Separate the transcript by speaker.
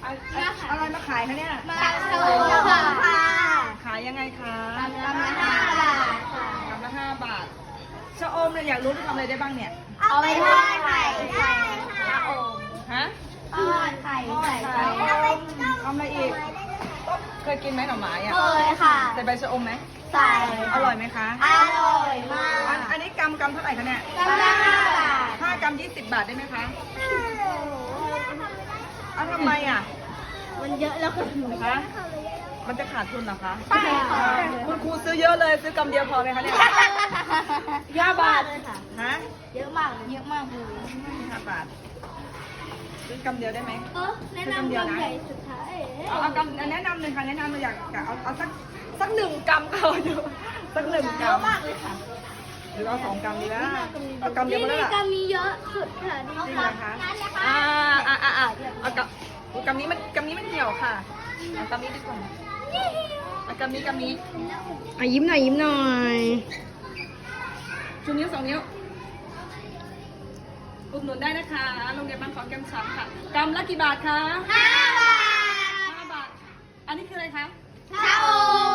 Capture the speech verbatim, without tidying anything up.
Speaker 1: อะไรมาขายคะเนี่ย
Speaker 2: มาโชว์ค่ะ
Speaker 1: ขายยังไงคะ
Speaker 2: กำลังห้าบาทค่ะ
Speaker 1: กำละห้าบาทชะอมเนี่ยอยากรู้จะทำอะไรได้บ้างเนี่ย
Speaker 2: เอาไปทอดไข่ใส่ชะอม
Speaker 1: ฮะ
Speaker 2: ทอดไข่ใส่
Speaker 1: ไข่
Speaker 2: ชะอม
Speaker 1: ทำอะไรอีกเคยกินไหมหน่อไม้อะ
Speaker 2: เคยค่ะ
Speaker 1: ใส่ใบชะอมไหม
Speaker 2: ใส่
Speaker 1: อร่อยไหมคะ
Speaker 2: อร่อยมา
Speaker 1: อัน
Speaker 2: ก
Speaker 1: อันนี้กำกำเท่าไหร่คะเนี่ย
Speaker 2: กำลังห้าบาท
Speaker 1: ห้ากำยี่สิบบาทได้ไหมคะอ้าวทำไมอ่ะ
Speaker 2: มันเยอะแล้วค่ะ
Speaker 1: คะมันจะขาดทุนเหรอคะ
Speaker 2: ใช่ค่ะ
Speaker 1: คุณครูซื้อเยอะเลยซื้อกำเดียวพอไหมคะเนี่ย
Speaker 2: ห้าบาทเลยค่ะ
Speaker 1: ฮะ
Speaker 2: เยอะมากเยอะมากเลย
Speaker 1: ห้าบาทซื้อกำเดียวได้ไหม
Speaker 2: เออแนะนำกำใหญ่สุดท้าย
Speaker 1: เอาเอากำแนะนำเลยค่ะแนะนำเลยอยากเอาเอาสักสักหนึ่งกำก็เอาอยู่สักหนึ่ง
Speaker 2: เยอะ
Speaker 1: กำ
Speaker 2: มากเลยค่ะ
Speaker 1: หรือเอาสองกำดีนะเอากำเดียวก็ได้
Speaker 2: นี่
Speaker 1: ละ
Speaker 2: กำมีเยอะสุดค่ะนี่
Speaker 1: จริงเหรอคะอ่าอ่าอ่าอ่าเอากำอุ๊ยกำนี้มันกำนี้มันเหี่ยวค่ะเอากำนี้ดีกว่าเอากำนี้กำนี้
Speaker 3: อ่ะยิ้มหน่อยยิ้มหน่อย
Speaker 1: ชูนิ้วสองนิ้วอุดหนุนได้นะคะโรงเรียนบ้านขอนแก่นช้ำค่ะกำละกี่บาทคะ
Speaker 2: ห้าบาท
Speaker 1: ห้าบาทอันนี้คืออะไรคะ
Speaker 2: ชะอม